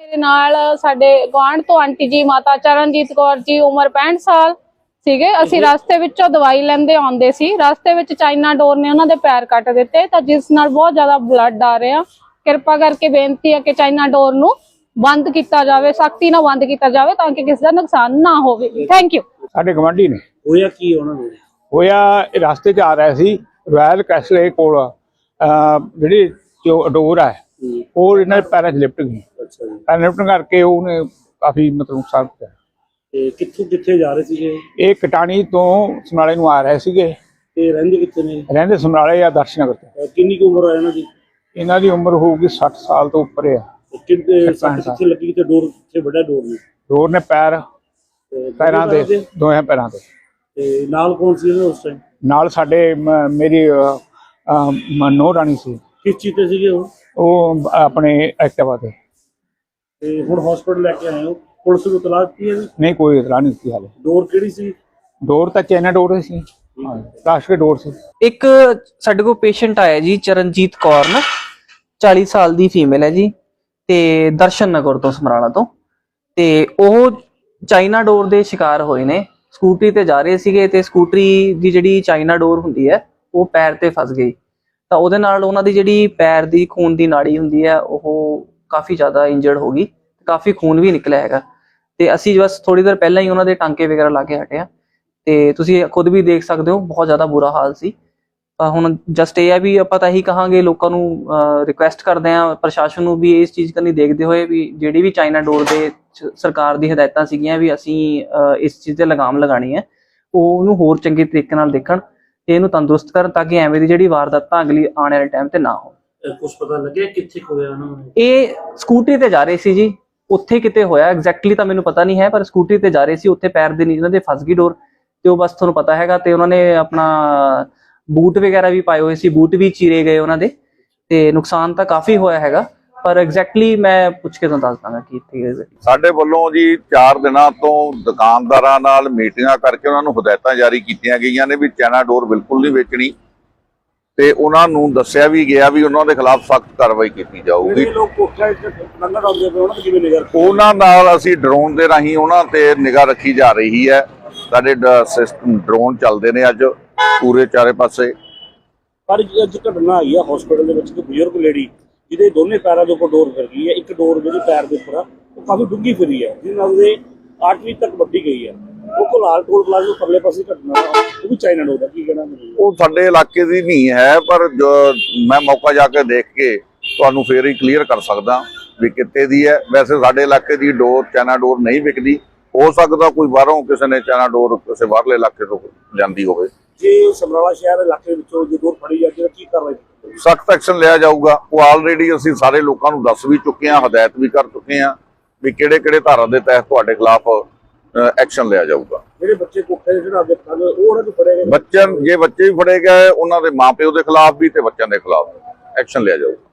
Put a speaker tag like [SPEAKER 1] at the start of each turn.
[SPEAKER 1] ਨਾਲ ਸਾਡੇ ਗੁਆਂਢ ਤੋਂ ਆਂਟੀ ਜੀ ਮਾਤਾ ਚਰਨਜੀਤ ਕੌਰ ਜੀ ਉਮਰ 65 ਸਾਲ ਸੀਗੇ। ਅਸੀਂ ਰਸਤੇ ਵਿੱਚੋਂ ਦਵਾਈ ਲੈਂਦੇ ਆਉਂਦੇ ਸੀ, ਰਸਤੇ ਵਿੱਚ ਚਾਈਨਾ ਡੋਰ ਨੇ ਉਹਨਾਂ ਦੇ ਪੈਰ ਕੱਟ ਦਿੱਤੇ ਤਾਂ ਜਿਸ ਨਾਲ ਬਹੁਤ ਜ਼ਿਆਦਾ ਬਲੱਡ ਆ ਰਿਹਾ। ਕਿਰਪਾ ਕਰਕੇ ਬੇਨਤੀ ਹੈ ਕਿ ਚਾਈਨਾ ਡੋਰ ਨੂੰ ਬੰਦ ਕੀਤਾ ਜਾਵੇ, ਸਖਤੀ ਨਾਲ ਬੰਦ ਕੀਤਾ ਜਾਵੇ ਤਾਂ ਕਿ ਕਿਸੇ ਦਾ ਨੁਕਸਾਨ ਨਾ ਹੋਵੇ। Thank you.
[SPEAKER 2] ਸਾਡੇ ਗਵਾਂਢੀ ਨੇ
[SPEAKER 3] ਹੋਇਆ ਕੀ ਉਹਨਾਂ ਨੂੰ?
[SPEAKER 2] ਹੋਇਆ ਰਸਤੇ 'ਚ ਆ ਰਿਹਾ ਸੀ ਰਾਇਲ ਕੈਸਲੇ ਕੋਲ ਜਿਹੜੀ ਡੋਰ ਹੈ ਉਹ ਇਹਨਾਂ ਦੇ ਪੈਰਾਂ 'ਚ ਲਿਪਟ ਗਈ।
[SPEAKER 3] ਅੱਛਾ ਜੀ।
[SPEAKER 2] ਪੈਰ ਲਿਪਟਣ ਕਰਕੇ ਉਹਨੇ ਕਾਫੀ ਮਤਲਬ ਨੁਕਸਾਨ ਕੀਤਾ।
[SPEAKER 3] ਤੇ ਕਿੱਥੇ ਜਾ ਰਹੇ ਸੀਗੇ?
[SPEAKER 2] ਇਹ ਕਟਾਣੀ ਤੋਂ ਸਮਰਾਲੇ ਨੂੰ ਆ ਰਹੇ ਸੀਗੇ।
[SPEAKER 3] ਤੇ ਰਹਿੰਦੇ ਕਿੱਥੇ ਨੇ?
[SPEAKER 2] ਰਹਿੰਦੇ ਸਮਰਾਲੇ ਆ ਦਰਸ਼ਨਗਰ ਤੇ।
[SPEAKER 3] ਕਿੰਨੀ ਕੁ ਉਮਰ ਹੈ ਇਹਨਾਂ ਦੀ?
[SPEAKER 2] ਇਹਨਾਂ ਦੀ ਉਮਰ ਹੋਊਗੀ 60 ਸਾਲ ਤੋਂ ਉੱਪਰ ਆ।
[SPEAKER 3] ਕਿੱਥੇ ਲੱਗੀ ਤੇ ਡੋਰ ਕਿੱਥੇ ਵੱਡਾ ਡੋਰ ਨੇ?
[SPEAKER 2] ਡੋਰ ਨੇ ਪੈਰਾਂ ਦੇ ਦੋਹਾਂ ਪੈਰਾਂ ਤੇ।
[SPEAKER 3] ਤੇ ਨਾਲ ਕੌਣ ਸੀ ਉਸ ਟਾਈਮ?
[SPEAKER 2] ਨਾਲ ਸਾਡੇ ਮੇਰੀ ਨੋ ਰਾਣੀ ਸੀ।
[SPEAKER 3] ਕਿਸ ਚੀਜ਼ ਤੇ ਸੀਗੇ
[SPEAKER 2] ਉਹ ਆਪਣੇ ਐਕਟਿਵਾ ਤੇ।
[SPEAKER 3] ਤੇ ਹੁਣ ਹਸਪੀਟਲ ਲੈ ਕੇ ਆਏ ਹੋ? ਪੁਲਿਸ ਨੂੰ ਇਤਲਾਹ ਦਿੱਤੀ ਹੈ?
[SPEAKER 2] ਨਹੀਂ ਕੋਈ ਇਤਲਾਹ ਨਹੀਂ ਦਿੱਤੀ ਹਾਲੇ।
[SPEAKER 3] ਡੋਰ ਕਿਹੜੀ ਸੀ?
[SPEAKER 2] ਡੋਰ ਤਾਂ ਚਾਈਨਾ ਡੋਰ ਸੀ, ਪਲਾਸਟਿਕ ਡੋਰ ਸੀ।
[SPEAKER 4] ਇੱਕ ਸਾਡੇ ਕੋਲ ਪੇਸ਼ੈਂਟ ਆਇਆ ਜੀ ਚਰਨਜੀਤ ਕੌਰ ਨਾ 40 ਸਾਲ ਦੀ ਫੀਮੇਲ ਹੈ ਜੀ ਤੇ ਦਰਸ਼ਨ ਨਗਰ ਤੋਂ ਸਮਰਾਲਾ ਤੋਂ। ਤੇ ਉਹ ਚਾਈਨਾ ਡੋਰ ਦੇ ਸ਼ਿਕਾਰ ਹੋਏ ਨੇ। ਸਕੂਟਰੀ ਤੇ ਜਾ ਰਹੇ ਸੀਗੇ ਤੇ ਸਕੂਟਰੀ ਦੀ ਜਿਹੜੀ ਚਾਈਨਾ ਡੋਰ ਹੁੰਦੀ ਹੈ ਉਹ ਪੈਰ ਤੇ ਫਸ ਗਈ ਤਾਂ ਉਹਦੇ ਨਾਲ ਉਹਨਾਂ ਦੀ ਜਿਹੜੀ ਪੈਰ ਦੀ ਖੂਨ ਦੀ ਨਾੜੀ ਹੁੰਦੀ ਹੈ ਉਹ ਕਾਫੀ ਜ਼ਿਆਦਾ ਇੰਜਰਡ ਹੋ ਗਈ, ਕਾਫੀ ਖੂਨ ਵੀ ਨਿਕਲਿਆ ਹੈਗਾ। ਤੇ ਅਸੀਂ ਬਸ ਥੋੜੀ ਦੇਰ ਪਹਿਲਾਂ ਹੀ ਉਹਨਾਂ ਦੇ ਟਾਂਕੇ ਵਗੈਰਾ ਲਾ ਕੇ ਹਟਿਆ ਤੇ ਤੁਸੀਂ ਖੁਦ ਵੀ ਦੇਖ ਸਕਦੇ ਹੋ ਬਹੁਤ ਜ਼ਿਆਦਾ ਬੁਰਾ ਹਾਲ ਸੀ। ਤਾਂ ਹੁਣ ਜਸਟ ਇਹ ਹੈ ਵੀ ਆਪਾਂ ਤਾਂ ਇਹੀ ਕਹਾਂਗੇ, ਲੋਕਾਂ ਨੂੰ ਰਿਕੁਐਸਟ ਕਰਦੇ ਹਾਂ, ਪ੍ਰਸ਼ਾਸਨ ਨੂੰ ਵੀ ਇਸ ਚੀਜ਼ ਕਰਨੀ ਦੇਖਦੇ ਹੋਏ ਵੀ ਜਿਹੜੀ ਵੀ ਚਾਈਨਾ ਡੋਰ ਦੇ ਸਰਕਾਰ ਦੀ ਹਦਾਇਤਾਂ ਸੀਗੀਆਂ ਵੀ ਅਸੀਂ ਇਸ ਚੀਜ਼ ਤੇ ਲਗਾਮ ਲਗਾਣੀ ਹੈ, ਉਹ ਉਹਨੂੰ ਹੋਰ ਚੰਗੇ ਤਰੀਕੇ ਨਾਲ ਦੇਖਣ ਤੇ ਇਹਨੂੰ ਤੰਦਰੁਸਤ ਕਰਨ ਤਾਂ ਕਿ ਐਵੇਂ ਦੀ ਜਿਹੜੀ ਵਾਰਦਾਤਾਂ ਅਗਲੀ ਆਉਣ ਵਾਲੇ ਟਾਈਮ ਤੇ ਨਾ ਹੋਣ।
[SPEAKER 3] ਕੁਝ ਪਤਾ ਲੱਗਿਆ ਕਿੱਥੇ ਹੋਇਆ ਉਹਨਾਂ ਨੂੰ?
[SPEAKER 4] ਇਹ ਸਕੂਟਰੀ ਤੇ ਜਾ ਰਹੇ ਸੀ ਜੀ, ਉੱਥੇ ਕਿਤੇ ਹੋਇਆ ਐਗਜ਼ੈਕਟਲੀ ਤਾਂ ਮੈਨੂੰ ਪਤਾ ਨਹੀਂ ਹੈ, ਪਰ ਸਕੂਟਰੀ ਤੇ ਜਾ ਰਹੇ ਸੀ, ਉੱਥੇ ਪੈਰ ਦੇ ਨੀਚੇ ਇਹਨਾਂ ਦੇ ਫਸ ਗਈ ਡੋਰ ਤੇ ਉਹ ਬਸ ਤੁਹਾਨੂੰ ਪਤਾ ਹੈਗਾ। ਤੇ ਉਹਨਾਂ ਨੇ ਆਪਣਾ ਬੂਟ ਵਗੈਰਾ ਵੀ ਪਾਏ ਹੋਏ ਸੀ, ਬੂਟ ਵੀ ਚੀਰੇ ਗਏ ਉਹਨਾਂ ਦੇ ਤੇ ਨੁਕਸਾਨ ਤਾਂ ਕਾਫੀ ਹੋਇਆ ਹੈਗਾ, ਪਰ ਐਗਜ਼ੈਕਟਲੀ ਮੈਂ ਪੁੱਛ ਕੇ ਤੁਹਾਨੂੰ ਦੱਸ ਦਾਂਗਾ ਕਿ ਇੱਥੇ।
[SPEAKER 5] ਸਾਡੇ ਵੱਲੋਂ ਜੀ 4 ਦਿਨਾਂ ਤੋਂ ਦੁਕਾਨਦਾਰਾਂ ਨਾਲ ਮੀਟਿੰਗਾਂ ਕਰਕੇ ਉਹਨਾਂ ਨੂੰ ਹਦਾਇਤਾਂ ਜਾਰੀ ਕੀਤੀਆਂ ਗਈਆਂ ਨੇ ਵੀ ਚਾਈਨਾ ਡੋਰ ਬਿਲਕੁਲ ਨਹੀਂ ਵੇਚਣੀ ਤੇ ਉਹਨਾਂ ਨੂੰ ਦੱਸਿਆ ਵੀ ਗਿਆ ਵੀ ਉਹਨਾਂ ਦੇ ਖਿਲਾਫ ਸਖਤ ਕਾਰਵਾਈ ਕੀਤੀ ਜਾਊਗੀ। ਉਹਨਾਂ ਨਾਲ ਅਸੀਂ ਡਰੋਨ ਦੇ ਰਾਹੀਂ ਉਹਨਾਂ ਤੇ ਨਿਗਾਹ ਰੱਖੀ ਜਾ ਰਹੀ ਹੈ। ਸਾਡੇ ਡਰੋਨ ਚੱਲਦੇ ਨੇ ਅੱਜ ਪੂਰੇ ਚਾਰੇ ਪਾਸੇ।
[SPEAKER 3] ਪਰ ਅੱਜ ਘਟਨਾ ਆਈ ਆ ਹਸਪੀਟਲ ਦੇ ਵਿੱਚ, ਇੱਕ ਬਜ਼ੁਰਗ ਲੇਡੀ ਜਿਹਦੇ ਦੋਨੇ ਪੈਰਾਂ ਦੇ ਉੱਪਰ ਡੋਰ ਫਿਰ ਗਈ ਹੈ। ਇੱਕ ਡੋਰ ਜਿਹੜੀ ਪੈਰ ਦੇ ਉੱਪਰ ਆ ਉਹ ਕਾਫੀ ਡੂੰਘੀ ਫਿਰੀ ਹੈ, ਜਿਹਦੇ ਨਾਲ ਉਹਦੇ ਆਰਟਰੀ ਤੱਕ ਵੱਢੀ ਗਈ ਹੈ। ਉਹ ਕੋਲਾਲ ਟੋਲ ਪਲਾਜ਼ਾ ਪਰਲੇ ਪਾਸੇ ਘਟਨਾ ਉਹ ਵੀ ਚਾਈਨਾ ਡੋਰ ਦਾ ਕੀ ਕਹਿਣਾ?
[SPEAKER 5] ਉਹ ਸਾਡੇ ਇਲਾਕੇ ਦੀ ਨਹੀਂ ਹੈ, ਪਰ ਮੈਂ ਮੌਕਾ ਜਾ ਕੇ ਦੇਖ ਕੇ ਤੁਹਾਨੂੰ ਫੇਰ ਹੀ ਕਲੀਅਰ ਕਰ ਸਕਦਾ ਵੀ ਕਿੱਥੇ ਦੀ ਹੈ। ਵੈਸੇ ਸਾਡੇ ਇਲਾਕੇ ਦੀ ਡੋਰ ਚਾਈਨਾ ਡੋਰ ਨਹੀਂ ਵਿਕਦੀ, ਹੋ ਸਕਦਾ ਕੋਈ ਬਾਹਰੋਂ ਕਿਸੇ ਨੇ ਚਾਈਨਾ ਡੋਰ ਕਿਸੇ ਬਾਹਰਲੇ ਇਲਾਕੇ ਤੋਂ ਜਾਂਦੀ ਹੋਵੇ।
[SPEAKER 3] ਜੇ ਸਮਰਾਲਾ ਸ਼ਹਿਰ ਇਲਾਕੇ ਵਿੱਚੋਂ ਜੇ ਡੋਰ ਫੜੀ ਜਾਂਦੀ ਤਾਂ ਕੀ ਕਾਰਵਾਈ?
[SPEAKER 5] ਸਖਤ ਐਕਸ਼ਨ ਲਿਆ ਜਾਊਗਾ। ਉਹ ਆਲਰੇਡੀ ਅਸੀਂ ਸਾਰੇ ਲੋਕਾਂ ਨੂੰ ਦੱਸ ਵੀ ਚੁੱਕੇ ਹਾਂ, ਹਦਾਇਤ ਵੀ ਕਰ ਚੁੱਕੇ ਹਾਂ ਵੀ ਕਿਹੜੇ ਧਾਰਾ ਦੇ ਤਹਿਤ ਤੁਹਾਡੇ ਖਿਲਾਫ ਐਕਸ਼ਨ ਲਿਆ ਜਾਊਗਾ।
[SPEAKER 3] ਜਿਹੜੇ ਬੱਚੇ ਕੋਠੇ ਦੇ ਚੜ੍ਹਾ ਕੇ ਉਹ ਉਹਨਾਂ ਨੂੰ ਫੜੇ ਗਏ?
[SPEAKER 5] ਜੇ ਬੱਚੇ ਵੀ ਫੜੇ ਗਏ ਉਹਨਾਂ ਦੇ ਮਾਪਿਓ ਦੇ ਖਿਲਾਫ ਵੀ ਤੇ ਬੱਚਿਆਂ ਦੇ ਖਿਲਾਫ ਐਕਸ਼ਨ ਲਿਆ ਜਾਊਗਾ।